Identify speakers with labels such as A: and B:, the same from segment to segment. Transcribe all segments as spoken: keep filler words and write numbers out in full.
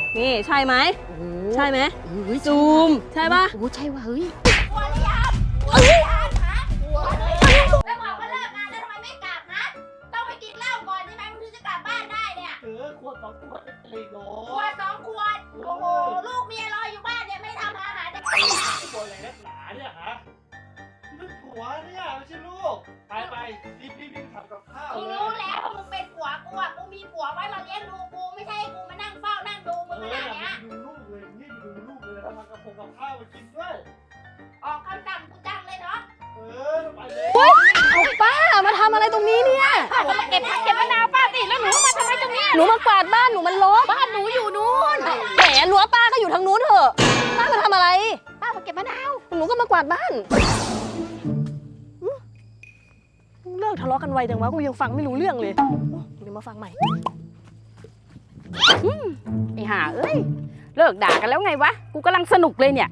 A: นี่ใช่ไหมใช่ไหมซูมใช่ปะ
B: โอ้ใช่ว่ะเฮ้ย
C: กลัวหรือยังกลัวหรือยังฮะกลัวแล้วแล้วบอกว่าเลิกงานแล้วทำไมไม่กลับฮะต้องไปกินเหล้าก่อนใช่ไหมมึงถึงจะกลับบ้านได้เนี่ย
D: เออขวดสองขวดเลยเนา
C: ขวดสองขวดโอ้โหลูกเมียรออยู่บ้านเนี่ยไม่ทำอาหารจะ
D: ขวดอะไรนักหนาเนี่ยฮะนี่ผัวเนี่ยไม่ใช่ลูกไปไปรีบรีบรีบทำกับข้าว
C: กู
D: เลย
C: รู้แล้วว่ามึงเป็นผัวกูอ่ะกูมีผัวไว้มาเลี้ยงดูกูไม่ใช่ให้กูมานั่งเฝ้านั่งดูมึงขนาดเนี้ย
D: ดูลูกเลยนี่ดูลูกเลยแล้วทำกับผงกับข้าวมากินด้วย
C: ออกคำสั่งกูจังเลยเนาะ
D: เออไปเลย
A: เอาป้ามาทำอะไรตรงนี้เนี่ย
C: ป้าก็มาเก็บผักเก็บมะนาวป้าสิแล้วหนูมาทำไมตรงนี้
A: หนูมากวาดบ้านหนูมันรก
C: บ้านหนูอยู่นู้น
A: แหมรั้วป้าก็อยู่ทางนู้นเถอะป้ามาทำอะไร
C: ป้ามาเก็บมะนาว
A: หนูก็มากวาดบ้านอื้อเลิกทะเลาะกันไวจังวะกูยังฟังไม่รู้เรื่องเลยเดี๋ยวมาฟังใหม่
B: ไอ้ห่าเอ้ยเลิกด่ากันแล้วไงวะกูกำลังสนุกเลยเนี่ย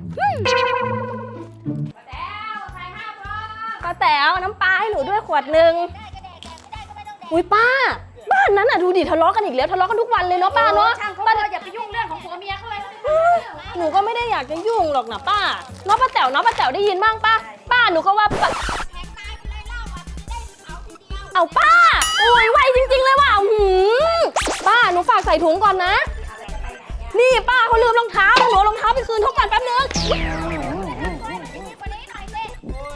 C: แล้วใส่ห้าพร้อม
A: ป้าแต๋วน้ำปลาให้หนูด้วยขวดหนึ่ง
C: ได้ก็แดกแดกไม่ได้ก็ไม่ต้องแดก
A: อุ้ยป้า บ้านนั้นอ่ะดูดิทะเลาะกันอีกแล้วทะเลาะกันทุกวันเลยเนาะป้าเนาะ
C: ช่างเขา
A: ป้า
C: เถอะอย่าไปยุ่งเรื่องของผัวเมียเขาเลย
A: หนูก็ไม่ได้อยากจะยุ่งหรอกนะป้าเนาะป้าแต๋วเนาะป้าแต๋วได้ยินบ้างป้าป้าหนูก็ว่าป้า
C: แทงตายไปเลยเล่าอ่ะจะได้เอาทีเดียว
A: เอาป้าอุ้ยไวจริงๆเลยว่ะหืมป้าหนูฝากใส่ถุงก่อนนะ นี่ป้าเขาลืมรองเท้าแล้วหนูเอารองเท้าไปคืนเขาก่อนแป๊บนึง
C: วันนี้หน่อยสิ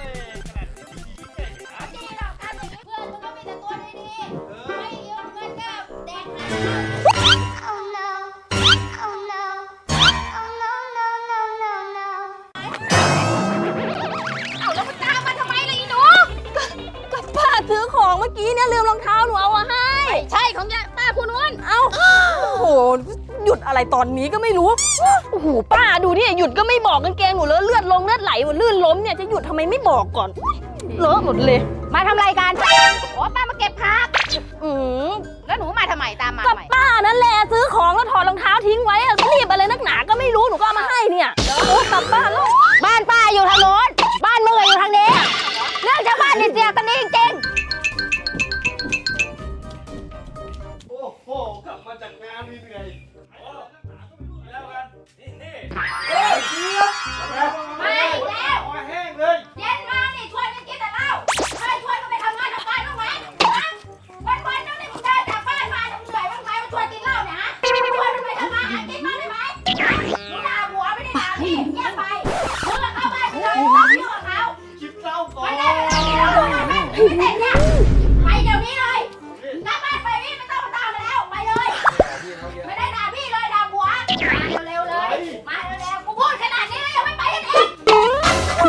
C: ดีหรอกทำอย่างนี้เพื่อนมึงก็มีแต่ตัวดีๆไม่ยืมเงินก็แดกน้ำ
E: Oh no. Oh no. Oh no, no, no, no, no.
C: เอาแล้วมึงตามมาทำไมล่ะอีหนู
A: ก็ป้าซื้อของเมื่อกี้เนี่ยลืมรองเท้าหนูเอามาให้
C: ใช่ของยาป้าคุณนุ่น
A: เอ้าโอ้โหหยุดอะไรตอนนี้ก็ไม่รู้โอ้โหป้าดูนี่หยุดก็ไม่บอกกางเกงหนูเลอะเลือดลงเลือดไหลหมดลื่นล้มเนี่ยจะหยุดทำไมไม่บอกก่อนเลอะหมดเลย
B: มาทำอะไรกัน
C: โอ้ป้ามาเก็บผัก
A: อืม
C: แล้วหนูมาทำไมตามมา
A: ก็
C: ทำไม
A: ป้านั่นแหละซื้อของแล้วถอดรองเท้าทิ้งไว้อะรีบอะไรนักหนาก็ไม่รู้หนูก็เอามาให้เนี่ยโอ้กลับบ้านแล้ว
B: บ้านป้าอยู่ทางโน้นบ้านมึงอยู่ทางนี้เรื่องชาวบ้านนี่เสียกันนี่จริง
D: โอ้โหกลับมาจากงานเหนื่อยๆโอ้นักหนาก็ไม่รู้แล้วกันนี่นี่เฮ้ยเจี๊ยบ
C: ไม่แล้ว
D: คอแห้งเลย
C: เย็นมานี่ชวนกันกินแต่เหล้าไม่ชวนกันไปทำงานทำการบ้างไหมวันวันๆนึงนี่มึงเดินจากบ้านมาเหนื่อยบ้างไหมมาชวนกินเหล้าเนี่ยฮะชวนกันไปทำงานหากินบ้างได้ไหมมึงด่าหัวไม่ได้ด่าพี่เงียบไปมึงอะเข้าบ้านกูเลยไม่ต้องยุ่งกับเขา
D: คิดเหล้าก่อน
C: ไม่ได้ไม่ต้องกินเหล้าด้วยนะไม่เสร็จเนี่ยไปเดี๋ยวนี้เลยกลับบ้านไปพี่ไม่ต้องมาตามมาแล้วไปเลย ไม่ได้ด่าพี่เลยด่าหัวมาเร็วๆเลยมาเร็วๆกูพูดขนาดนี้แล้วยังไม่ไปกันอีก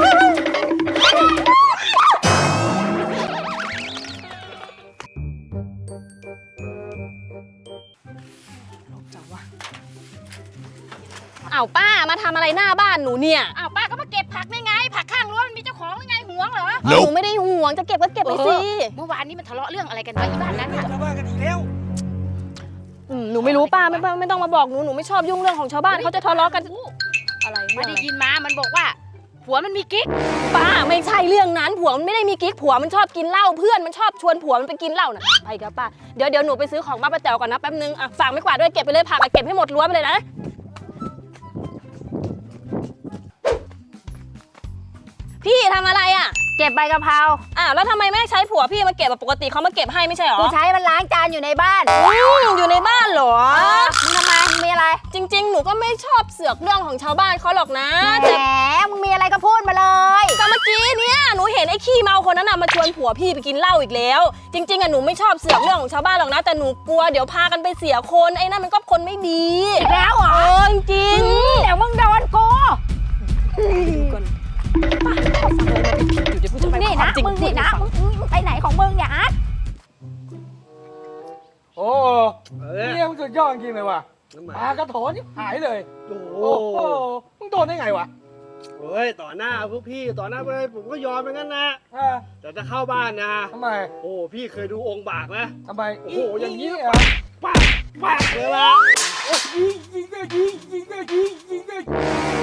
A: อ้าวป้ามาทำอะไรหน้าบ้านหนูเนี่ย
C: อ้าวป้าก็มาเก็บผักได้ไง ผักข้างรั้วมันมีเจ้าของยังไงหวงเหรอ
A: หนูไม่ได้ห่วงจะเก็บก็เก็บไปสิ
C: เมื่อวานนี้มันทะเลาะเรื่องอะไรกันวะที่บ้านนั้นน่ะ
D: ชาวบ้านกันอีกแล้ว
A: อืมหนูไม่รู้ป้าไม่ไม่ไม่ต้องมาบอกหนูหนูไม่ชอบยุ่งเรื่องของชาวบ้านเขาจะทะเลาะกันอะไร
C: ไม่ได้ยินมา มันบอกว่าผัวมันมีกิ๊ก
A: ป้าไม่ใช่เรื่องนั้นผัวมันไม่ได้มีกิ๊กผัวมันชอบกินเหล้าเพื่อนมันชอบชวนผัวมันไปกินเหล้าน่ะไปกับป้าเดี๋ยวเดี๋ยวหนูไปซื้อของบ้านป้าแต๋วก่อนนะแป๊บนึงอ่ะฝากไม่กวาดด้วยเก็บไปเลยผักอะเก็บให้หมดรั้วไปเลยนะพี่ทำอะไรอ่ะ
B: เก็บใบกะเพรา
A: อ้าวแล้วทำไมไม่ใช้ผัวพี่มาเก็บแบบปกติเขามาเก็บให้ไม่ใช่หรอ
B: กูใช้มันล้างจานอยู่ในบ้าน
A: อืมอยู่ในบ้านเหรอ
B: มึงทำไมมึงมีอะไร
A: จริง ๆ หนูก็ไม่ชอบเสือกเรื่องของชาวบ้านเขาหรอกนะ
B: แห
A: แต่
B: มมึงมีอะไรก็พูดมาเลย
A: ก็เมื่อกี้เนี่ยหนูเห็นไอ้ขี้เมาคนนั้นน่ะมาชวนผัวพี่ไปกินเหล้าอีกแล้ว จริงๆอ่ะหนูไม่ชอบเสือกเรื่องของชาวบ้านหรอกนะแต่หนูกลัวเดี๋ยวพากันไปเสียคนไอ้นั่นมันก็คนไม่ดี
B: อีกแล้วเหรอ
A: เออจริง
B: เดี๋ยวมึงโดนกู
A: ๆก่อนป้าฟังอะไรมาผิดๆอยู่เดี๋ยวพูด
B: มึ
A: จะ
B: ง
A: ไป
B: นี่
A: ควา
B: นะ
A: มจริง
B: มึง
A: พู
B: นี่
A: ด
B: นะ
A: ให้ฟัง
B: มึงมึงไปไหนของมึงเนี่ยอาร์ต
F: โอ้เนี่ยมึงสุดยอดจริงเลยว่ะปลากระโถนนี่หายเลย
D: โอ้โห
F: โอ้โหมึงโดนได้ไงวะ
D: เฮ้ยต่อหน้าพวกพี่ต่อหน้าพวกพี่ผมก็ยอมไปงั้นนะ
F: อ่า
D: แต่จะเข้าบ้านนะ
F: ทำไม
D: โอ้พี่เคยดูองค์บากไหม
F: ทำไม
D: โอ้
F: โอ้
D: โห
F: โห
D: อ
F: อย่
D: า
F: ย่าง ง
D: นี้
F: นี้
D: เหร
F: เห
D: อ
F: รอ
D: ปากปากเลยล่ะ
F: ยิงยิงเลยยิงยิงเลยยิงยิงเลย
C: เอ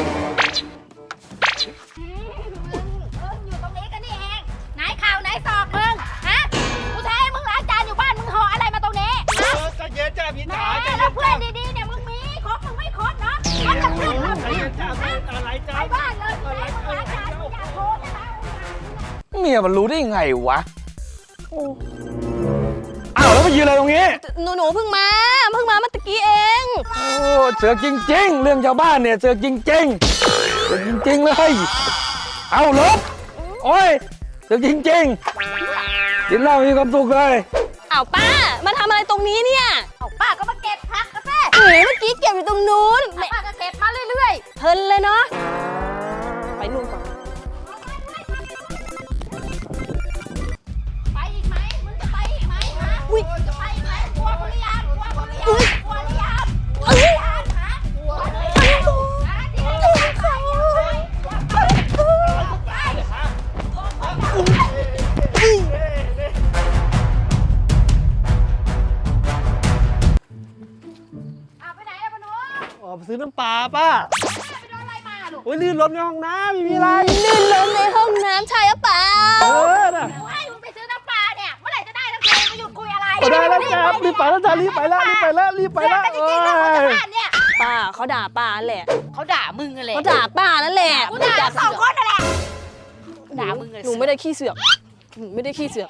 C: ออยู่ตรงนี้กันนี่เองไหนข่าวไหนศอกมึงฮะกูใช้ให้มึงล้างจานอยู่บ้านมึงห่ออะไรมาตรงนี้
D: เออใจเย็นจ้าพี่
C: แหม
D: จ๋าใจ
C: แล้
D: เย็
C: วน เพื่อนดีๆเนี่ยมึงมีครบมึงไม่ครบ
F: เมียมันรู้ได้ไงวะ
A: โอ้
F: อ้าวแล้วมายืนอะไรตรงนี้
A: หนูหนูเพิ่งมาเพิ่งมาเมื่อตะกี้เอง
F: โอ้เสือกจริงๆ เรื่องชาวบ้านเนี่ยเสือกจริงๆเสือกจริงๆเลยเอาลบโอ้ยเสือกจริงๆกินเหล้ามีความสุขเลย
A: อ้าวป้ามาทำอะไรตรงนี้เนี่ย
C: เอาป้าก็มาเก็บผักกาแฟ
A: เอ๋เมื่อกี้เก็บอยู่ตรงนู้น
C: ป้าก็เก็บมาเรื่อย
A: เพลินเลยเนาะไปนู่นก่อน
C: ๆไปอีกไหมมึงจะไปอีกไหมฮะจะไปอีกไหมกลัวกูหรือยังกลัวกูหรือยังกลัวหรือยังกลัวหรือยังฮะกลัวหรือยังฮะที่ไหนจะไปเอาไปไหนอะพนุ
F: ออกไปซื้อน้ำปลาป้า
C: ไปโดนอะไรมาลูก
F: โอ้ยลื่นรถในห้องน้ำไม่มีอะไร
A: ลื่นล้มในห้องน้ำใช่หรือเปล่า
F: เออน่ะ
C: เดี๋ยวให้มึงไปซื้อน้ำปลาเนี่ยเมื่อไหร่จะได้น้ำปลามาหยุดคุยอะไร
F: ได้แล้วจ้ารีบไปแล้วจ้ารีบไปแล้วรีบไปแล้วรีบไป
C: เรื่อง
F: แล้ว
C: กันจริงๆเรื่องของชาวบ้านเนี่ย
A: ป้าเขาด่าป้าแหละ
C: เขาด่ามึงอะไร
A: เขาด่าป้านั่นแหละ
C: กูด่าสองคนนั่นแหละด่ามึงเลย
A: หนูไม่ได้ขี้เสือกหนูไม่ได้ขี้เสือก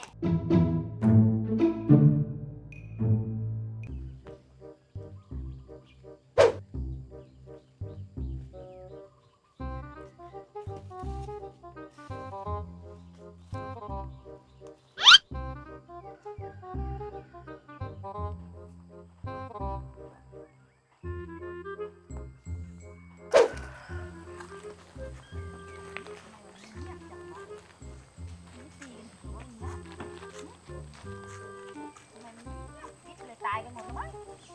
C: เลยตายกันหมดแล้วมั้ง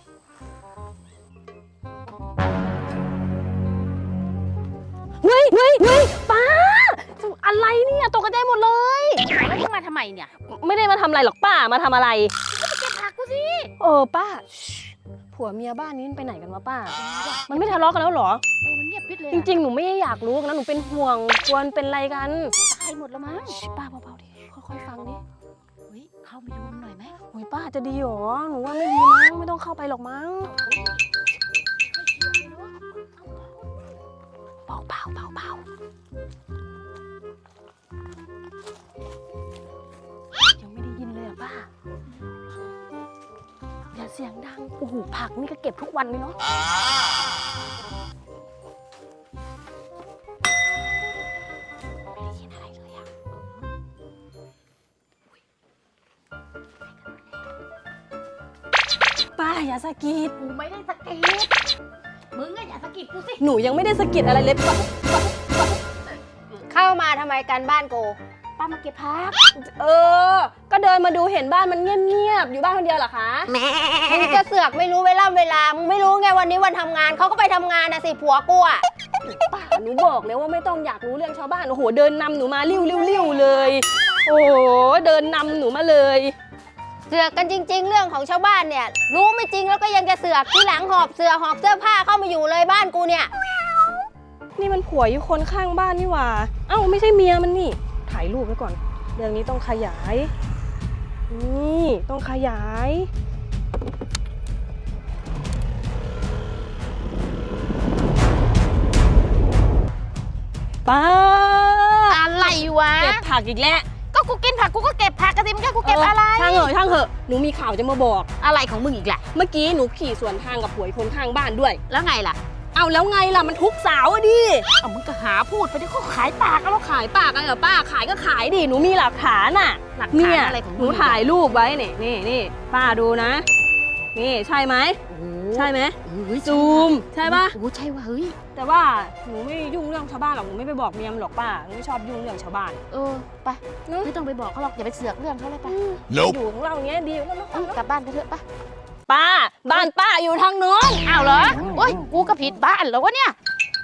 A: เฮ้ยเฮ้ยเฮ้ยป้าอะไรเนี่ยตกใจหมดเลย
C: แล้วมึงมาทำไมเนี่ย
A: ไม่ได้มาทำอะไรหรอกป้ามาทำอะไร
C: เก็บผักกูสิ
A: เออป้าชิผัวเมียบ้านนี้มันไปไหนกันวะป้า มันไม่ทะเลาะกันแล้วเหรอ
C: โอ้มันเงียบปิดเลย
A: จริงๆ หนูไม่ได้อยากรู้นะหนูเป็นห่วงกลัวมันเป็นอะไรกัน
C: ตายหมดแล้วมั้ง
A: ชิป้าเบาๆดิค่อยๆฟังดิ
C: เฮ้ยเข้าไปดูมันหน่อยไหม
A: โอ้ยป้าจะดีเหรอหนูว่าไม่ดีมั้งไม่ต้องเข้าไปหรอกมั้งเบาๆเบาๆเบายังไม่ได้ยินเลยอะป้าอย่าเสียงดังโอ้โหผักนี่ก็เก็บทุกวันเลยเนาะไม่ได้ยินอะไรเลยอะป้าอย่าสะกิด
C: กูไม่ได้สะกิดมึงอะอย่าสะกิดกูสิ
A: หนูยังไม่ได้สะกิดอะไรเลยป้า
B: เข้ามาทำไมกันบ้านกู
C: ป้ามาเก็บผัก
A: เออ ก็เดินมาดูเห็นบ้านมันเงียบๆอยู่บ้านคนเดียวเหรอคะ
B: มึงจะเสือกไม่รู้เวลาเวลา มึงไม่รู้ไงวันนี้วันทำงานเขาก็ไปทำงานนะสิผัวกูอะ
A: ป้าหนูบอกแล้วว่าไม่ต้องอยากรู้เรื่องชาวบ้านโอ้โหเดินนำหนูมาริ้วริ้วริ้วเลย โอ้โหเดินนำหนูมาเลย
B: เสือกกันจริง ๆ เรื่องของชาวบ้านเนี่ย รู้ไม่จริงแล้วก็ยังจะเสือกที่หลังหอบเสือหอบเสื้อผ้าเข้ามาอยู่เลยบ้านกูเนี่ย
A: นี่มันผัวอยู่คนข้างบ้านนี่หว่าเอ้าไม่ใช่เมียมันนี่ถ่ายรูปไว้ก่อนเรื่องนี้ต้องขยายนี่ต้องขยายป้า
C: อะไรวะ
A: เก็บผักอีกแล้ว
C: ก็กูกินผักกูก็เก็บผักกระติมแค่กูเก็บอะไร
A: ช่างเหอะช่างเหอะหนูมีข่าวจะมาบอก
C: อะไรของมึงอีกแหละ
A: เมื่อกี้หนูขี่สวนทางกับผัวอีกคนข้างบ้านด้วย
C: แล้วไงล่ะ
A: เอาแล้วไงล่ะมันทุกสาวอะดิ
C: เอามึงก็หาพูดไปที่เขาขายปาก
A: แล้วขายปากอะไรเหรอป้าขายก็ขายดิหนูมีหลักฐานอ่ะ
C: หลัก
A: เนี่
C: ฐาน
A: ย
C: อะไรของมึง
A: หนูถ่ายรูปไว้นี่นี่นี่ป้าดูนะ นี่ใช่ไหม
C: โอ้โห
A: ใช่ไหม
C: เฮ้ย
A: ซูมใช่ปะ
C: โอ้ใช่ว่ะเฮ้ย
A: แต่ว่าหนูไม่ยุ่งเรื่องชาวบ้านหรอกหนูไม่ไปบอกเมียมนหรอกป้าหนูไม่ชอบยุ่งเรื่องชาวบ้าน
C: เออไปไม่ต้องไปบอกเขาหรอกอย่าไปเสือกเรื่องเขาเลยไป
A: อยู่ของเราอย่างเงี้ยดีแล้วเนอะ
C: เออกลับบ้านกันเถอะไป
A: ป้าบ้านป้าอยู่ทางโน้น
C: อ้าวเหรอโอ้ยกูก็ผิดบ้านแล้ววะเนี่ย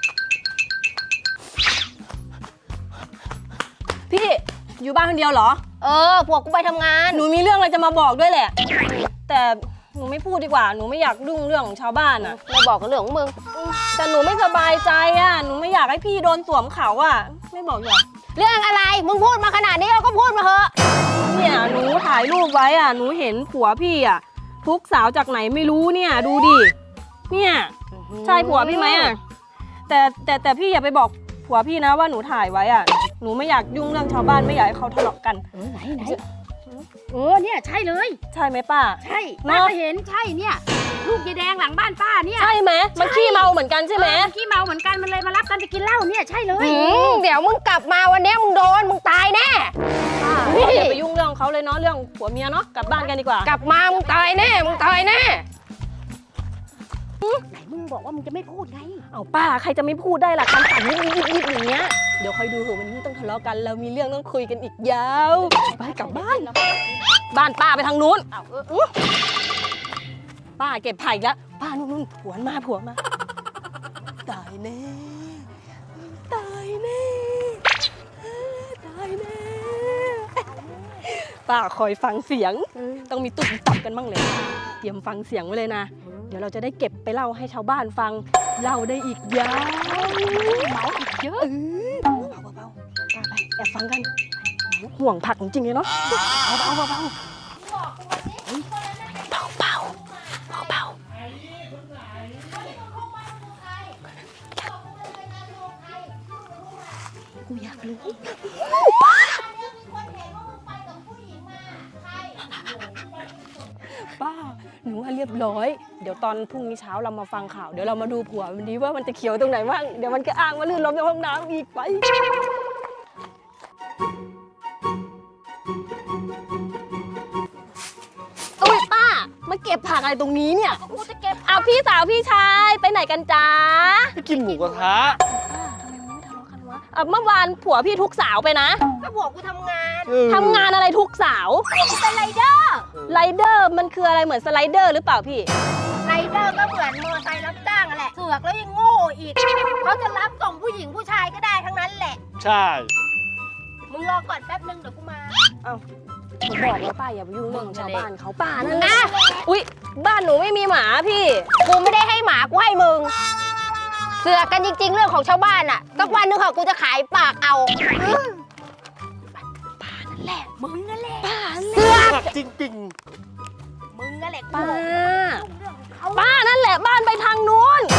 A: พี่อยู่บ้านคนเดียวเหรอ
B: เออผัวกูไปทำงาน
A: หนูมีเรื่องอะไรจะมาบอกด้วยแหละ แต่หนูไม่พูดดีกว่าหนูไม่อยากยุ่งเรื่องของชาวบ้านอ่ะ
B: มาบอกกับเรื่องของมึง
A: แต่หนูไม่สบายใจอ่ะหนูไม่อยากให้พี่โดนสวมเขาอ่ะไม่บอกหรอก
B: เรื่องอะไรมึงพูดมาขนาดนี้เราก็พูดมาเถอะ
A: เนี่ยหนูถ่ายรูปไว้อ่ะหนูเห็นผัวพี่อ่ะทุกสาวจากไหนไม่รู้เนี่ยดูดิเนี่ยใช่ผัวพี่ไหมอ่ะแต่แต่แต่พี่อย่าไปบอกผัวพี่นะว่าหนูถ่ายไว้อ่ะหนูไม่อยากยุ่งเรื่องชาวบ้านไม่อยากให้เขาทะเลาะกัน
B: เออไหนไหนเออเนี่ยใช่เลย
A: ใช่ไหมป้า
B: ใช่
A: เน
B: ป้า
A: อะ
B: ก็เห็นใช่เนี่ยลูกยายแดงหลังบ้านป้าเนี่ย
A: ใช่ไหมมันขี้เมาเหมือนกันใช่ไหม
B: เออขี้เมาเหมือนกันมันเลยมารับกันไปกินเหล้าเนี่ยใช่เลย
A: อืม
B: เดี๋ยวมึงกลับมาวันนี้มึงโดนมึงตายแน่
A: อย่าไปยุ่งเรื่องเขาเลยเนาะเรื่องผัวเมียเนาะกลับบ้านกันดีกว่าก
B: ลับมามึงตายแน่มึงตายแน่ไหนมึงบอกว่ามึงจะไม่พูดไง
A: เอาป้าใครจะไม่พูดได้ล่ะคำสั่งยิบยิบยิบอย่างเงี้ยเดี๋ยวคอยดูเถอะวันนี้ต้องทะเลาะกันแล้วมีเรื่องต้องคุยกันอีกยาวไปกลับบ้าน บ้านป้าไปทางนู้นเอาเอออื้อป้าเก็บไผ่แล้วป้านู่นนู่นผัวมาผัวมาตายแน่ตายแน่ตายแน่ป้าคอยฟังเสียงต้องมีตุ่มตับกันบ้างเลยเตรียมฟังเสียงไว้เลยนะเดี๋ยวเราจะได้เก็บไปเล่าให้ชาวบ้านฟังเล่าได้อีกยาวเมาอีกเยอะเบาเบาเบาป้าไปแอบฟังกันห่วงผักจริงๆเลยเนาะเบาเบาเบาเบา เบาเบาเบาเบากูอยากรู้ป้าหนูว่าเรียบร้อยเดี๋ยวตอนพรุ่งนี้เช้าเรามาฟังข่าวเดี๋ยวเรามาดูผัวมันดีว่ามันจะเขียวตรงไหนบ้างเดี๋ยวมันก็อ้างว่าลื่นล้มในห้องน้ำอีกไปโอ้ยป้ามาเก็บผักอะไรตรงนี้เนี่ย
B: กูจะเก็บ
A: เอาพี่สาวพี่ชายไปไหนกันจ๊ะ
D: ไปกินหมูกระทะ
A: ป้าทำไมมันไม่ทะเลาะกันวะเอ่อเมื่อวานผัวพี่ทุกสาวไปนะ
B: ก็บอกกูทำงาน
D: เออ
A: ทำงานอะไรทุกสาว
B: กูเป็นไรเดอร์
A: ไรเดอร์มันคืออะไรเหมือนสไลเดอร์หรือเปล่าพี่
B: ไรเดอร์ก็เหมือนมอไซค์รับจ้างอะแหละเสือกแล้วยังโง่อีกเขาจะรับส่งผู้หญิงผู้ชายก็ได้ทั้งนั้นแหละ
D: ใช่
B: มึงรอก่อนแป๊บนึงเดี๋ยวกูมา
A: ผมบอกแล้วป้าอย่าไปยุ่งเรื่องของชาวบ้านเขาป้านั่น
B: นะ
A: อุ๊ยบ้านหนูไม่มีหมาพี่
B: กูไม่ได้ให้หมากูให้มึง เสือกกันจริง ๆ เรื่องของชาวบ้านอะสักวันหนึงค่ะกูจะขายปากเอาป้านั่นแหละมึงนั่นแหละป้าเสือก
D: จริง
B: มึงนั่นแหละ
A: ป้า
B: เรื่องของเขา
A: ป้านั่นแหละบ้านไปทางนู้น